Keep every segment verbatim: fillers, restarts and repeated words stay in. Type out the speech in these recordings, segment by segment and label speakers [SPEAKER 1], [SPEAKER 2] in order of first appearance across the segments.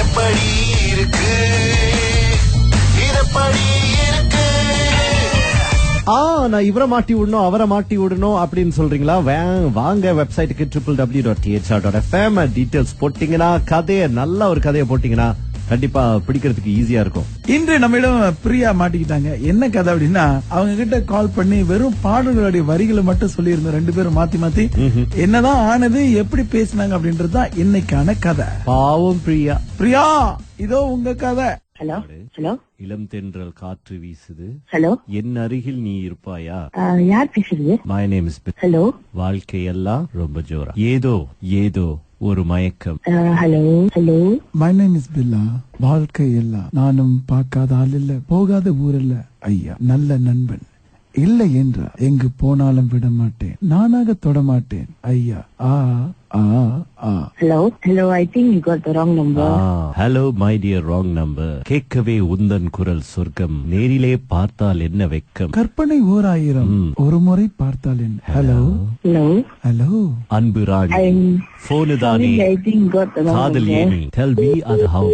[SPEAKER 1] எப்படி இருக்கு இதப்படி இருக்கு.
[SPEAKER 2] ஆ நான் இவரை மாட்டி விடணும் அவரை மாட்டி விடணும் அப்படின்னு சொல்றீங்களா? வாங்க வெப்சைட்டுக்கு triple W dot THR dot FM details போட்டீங்கன்னா கதையை நல்ல ஒரு கதையை போட்டீங்கன்னா கண்டிப்பா பிடிக்கிறதுக்கு ஈஸியா இருக்கும்.
[SPEAKER 3] இன்று நம்மிடம் பிரியா மாட்டிக்கிட்டாங்க. என்ன கதை அப்படின்னா, அவங்க கிட்ட கால் பண்ணி வெறும் பாடல்களுடைய வரிகளை மட்டும் சொல்லி இருந்தோம். ரெண்டு பேரும் மாத்தி மாத்தி என்னதான் ஆனது, எப்படி பேசினாங்க அப்படின்றதுதான் இன்னைக்கான கதை.
[SPEAKER 2] பாவம் பிரியா.
[SPEAKER 3] பிரியா, இதோ உங்க கதை.
[SPEAKER 4] Hello hello.
[SPEAKER 2] இளம் தென்றல் காற்று வீசுது.
[SPEAKER 4] ஹலோ.
[SPEAKER 2] என் அருகில் நீ இருப்பாயா?
[SPEAKER 4] யார் பேசுறது?
[SPEAKER 2] My name is.
[SPEAKER 4] ஹலோ.
[SPEAKER 2] வாழ்க்கையெல்லாம் ரொம்ப ஜோரா, ஏதோ ஏதோ ஒரு மயக்கம்.
[SPEAKER 4] Hello hello.
[SPEAKER 3] My name is Billa. வாழ்க்கை எல்லாம் நானும் பார்க்காத ஆள் இல்ல, போகாத ஊர் இல்ல ஐயா, நல்ல நண்பன் இல்லை என்றா எங்கு போனாலும் விட மாட்டேன், நானாக தொட மாட்டேன் ஐயா. ஆ ஆ ஆ.
[SPEAKER 4] Hello hello. I think you got the wrong number.
[SPEAKER 2] Hello my dear, wrong number. கேட்கவே உந்தன் குரல் சொர்க்கம், நேரிலே பார்த்தால் என்ன வெக்கம்,
[SPEAKER 3] கற்பனை ஓர் ஆயிரம், ஒரு முறை பார்த்தால் என்ன. Hello
[SPEAKER 4] hello
[SPEAKER 3] hello.
[SPEAKER 2] அன்பு ராணி, போனு தானே காதல் ஏனி, டெல் மீ அது ஹவ்.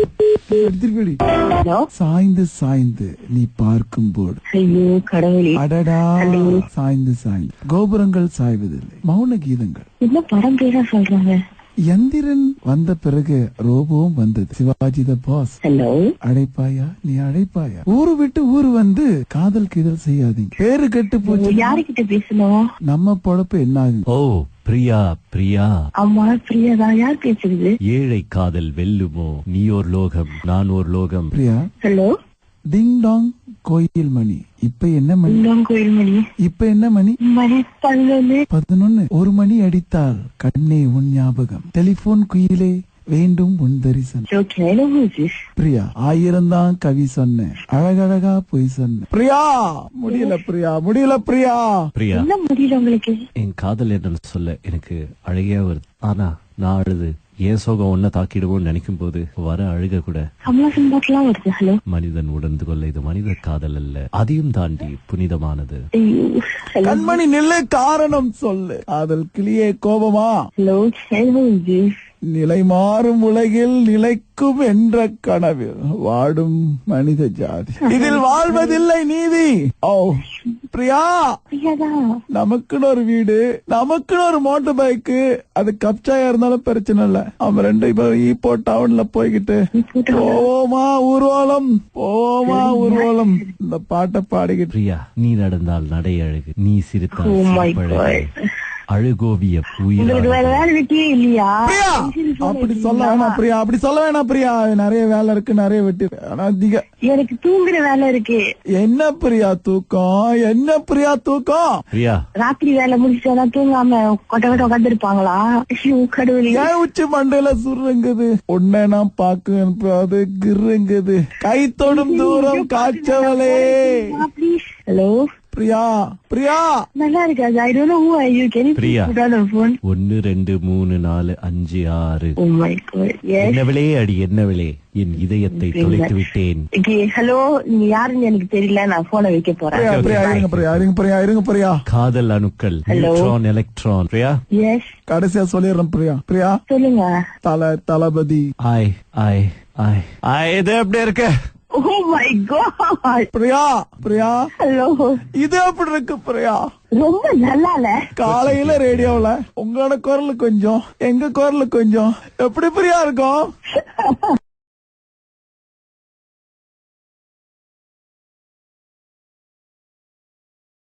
[SPEAKER 3] சாய்ந்து சாய்ந்து நீ பார்க்கும் போது,
[SPEAKER 4] ஐயோ கடவுளே,
[SPEAKER 3] அடடா, சாய்ந்து சாய்ந்து கோபுரங்கள் சாய்வதில்லை, மௌன கீதங்கள்.
[SPEAKER 4] என்ன படம் பேரா சொல்றாங்க?
[SPEAKER 3] எந்திரன் வந்த பிறகு ரோபோவும் வந்தது, சிவாஜி த பாஸ்.
[SPEAKER 4] ஹலோ.
[SPEAKER 3] அழைப்பாயா நீ அழைப்பாயா, ஊரு விட்டு ஊரு வந்து காதல் கீதல் செய்யாதீங்க, பேரு கெட்டு போச்சு.
[SPEAKER 4] யாருக்கிட்ட பேசணும்?
[SPEAKER 3] நம்ம பொழப்பு என்ன ஆகுது?
[SPEAKER 2] ஓ பிரியா பிரியா.
[SPEAKER 4] ஆமா பிரியாதா. யார் பேசுறது?
[SPEAKER 2] ஏழை காதல் வெல்லுமோ, நீ ஒரு லோகம் நான் ஒரு லோகம்.
[SPEAKER 3] பிரியா.
[SPEAKER 4] ஹலோ.
[SPEAKER 3] டிங் டாங் கோயில் மணி. இப்ப என்ன மணி?
[SPEAKER 4] கோயில் மணி.
[SPEAKER 3] இப்ப என்ன மணி?
[SPEAKER 4] மணி பதினொன்னு.
[SPEAKER 3] பதினொன்னு. ஒரு மணி அடித்தால் கண்ணே உன் ஞாபகம், டெலிபோன் குயிலே வேண்டும் உன் தரிசனம். பிரியா, ஆயிரம் தான் கவி சொன்ன, அழகழகா போய் சொன்ன. பிரியா, முடியல பிரியா, முடியல பிரியா.
[SPEAKER 2] பிரியா,
[SPEAKER 4] என்ன முடியல உங்களுக்கு?
[SPEAKER 2] என் காதல் என்னன்னு சொல்ல எனக்கு அழகையா வருது. ஆனா நான் அழுது ஏன் சோகம் ஒன்ன தாக்கிடுவோம் நினைக்கும் போது வர அழுக கூட
[SPEAKER 4] வருது. ஹலோ.
[SPEAKER 2] மனிதன் உணர்ந்து கொள்ள இது மனித காதல் அல்ல, அதையும் தாண்டி புனிதமானது.
[SPEAKER 3] கண்மணி நிலை, காரணம் சொல்லு. காதல் கிளியே கோபமா?
[SPEAKER 4] ஹலோ.
[SPEAKER 3] நிலை மாறும் உலகில் நிலைக்கும் என்ற கனவில் வாடும் மனித ஜாதி, இதில் வாழ்வதில்லை நீதி. ஓ பிரியா, நமக்குன்னு ஒரு வீடு, நமக்குன்னு ஒரு மோட்டர் பைக்கு, அது கப்சாயா இருந்தாலும் பிரச்சனை இல்ல. அவன் ரெண்டு இப்ப ஈப்போ டவுன்ல போய்கிட்டு போமா ஊர்வலம், போமா ஊர்வலம் இந்த பாட்டை பாடிக்கிட்டு.
[SPEAKER 2] பிரியா, நீ நடந்தால் நடை அழகு, நீ சிரித்தால் அழுகோவிய
[SPEAKER 4] இல்லையா?
[SPEAKER 3] அப்படி சொல்ல வேணாம் பிரியா, அப்படி சொல்ல வேணாம் பிரியா. நிறைய வேலை இருக்கு, நிறைய வெட்டி.
[SPEAKER 4] எனக்கு தூங்குற வேலை இருக்கு.
[SPEAKER 3] என்ன பிரியா தூக்கம், என்ன பிரியா தூக்கம்?
[SPEAKER 2] பிரியா,
[SPEAKER 4] ராத்திரி வேலை முடிச்சுட்டா தூங்காம கொட்ட கொட்ட உட்காந்து இருப்பாங்களா? கடவுளே,
[SPEAKER 3] ஏன் உச்சி மண்டையில சுருங்குது, உன்னை நான் பாக்குறது கிருங்குது, கை தொடும் தூரம் காய்ச்சவளே.
[SPEAKER 4] ஹலோ
[SPEAKER 3] பிரியா. பிரியா,
[SPEAKER 4] நல்லா இருக்காது. I don't know who are you. Can you
[SPEAKER 2] Priya,
[SPEAKER 4] put on the phone?
[SPEAKER 2] ஒன்னு ரெண்டு மூணு நாலு அஞ்சு ஆறு.
[SPEAKER 4] Oh my God. எஸ்.
[SPEAKER 2] என்னவளே அடி என்னவளே, என் இதயத்தை தொலைத்து விட்டேன்.
[SPEAKER 4] ஓகே ஹலோ, நீங்க யாருன்னு எனக்கு தெரியல, நான் போனை வைக்க போறேன்.
[SPEAKER 3] பிரியா இருங்க பிரியா, இருங்க பிரியா, இருங்க பிரியா.
[SPEAKER 2] காதல் அணுக்கள், நியூட்ரான் எலக்ட்ரான். பிரியா,
[SPEAKER 4] எஸ்,
[SPEAKER 3] கடைசியா சொல்லிடுறேன் பிரியா. பிரியா சொல்லுங்க. தல தளபதி.
[SPEAKER 2] ஆய் ஆய் ஆய் ஆய். இது எப்படி இருக்கு?
[SPEAKER 4] Oh my god.
[SPEAKER 3] Priya. Priya, hello. இது எப்படி இருக்கு பிரியா?
[SPEAKER 4] ரொம்ப நல்லா இல்ல.
[SPEAKER 3] காலையில ரேடியோல உங்களோட குரல் கொஞ்சம், எங்க குரல் கொஞ்சம், எப்படி பிரியா இருக்கும்?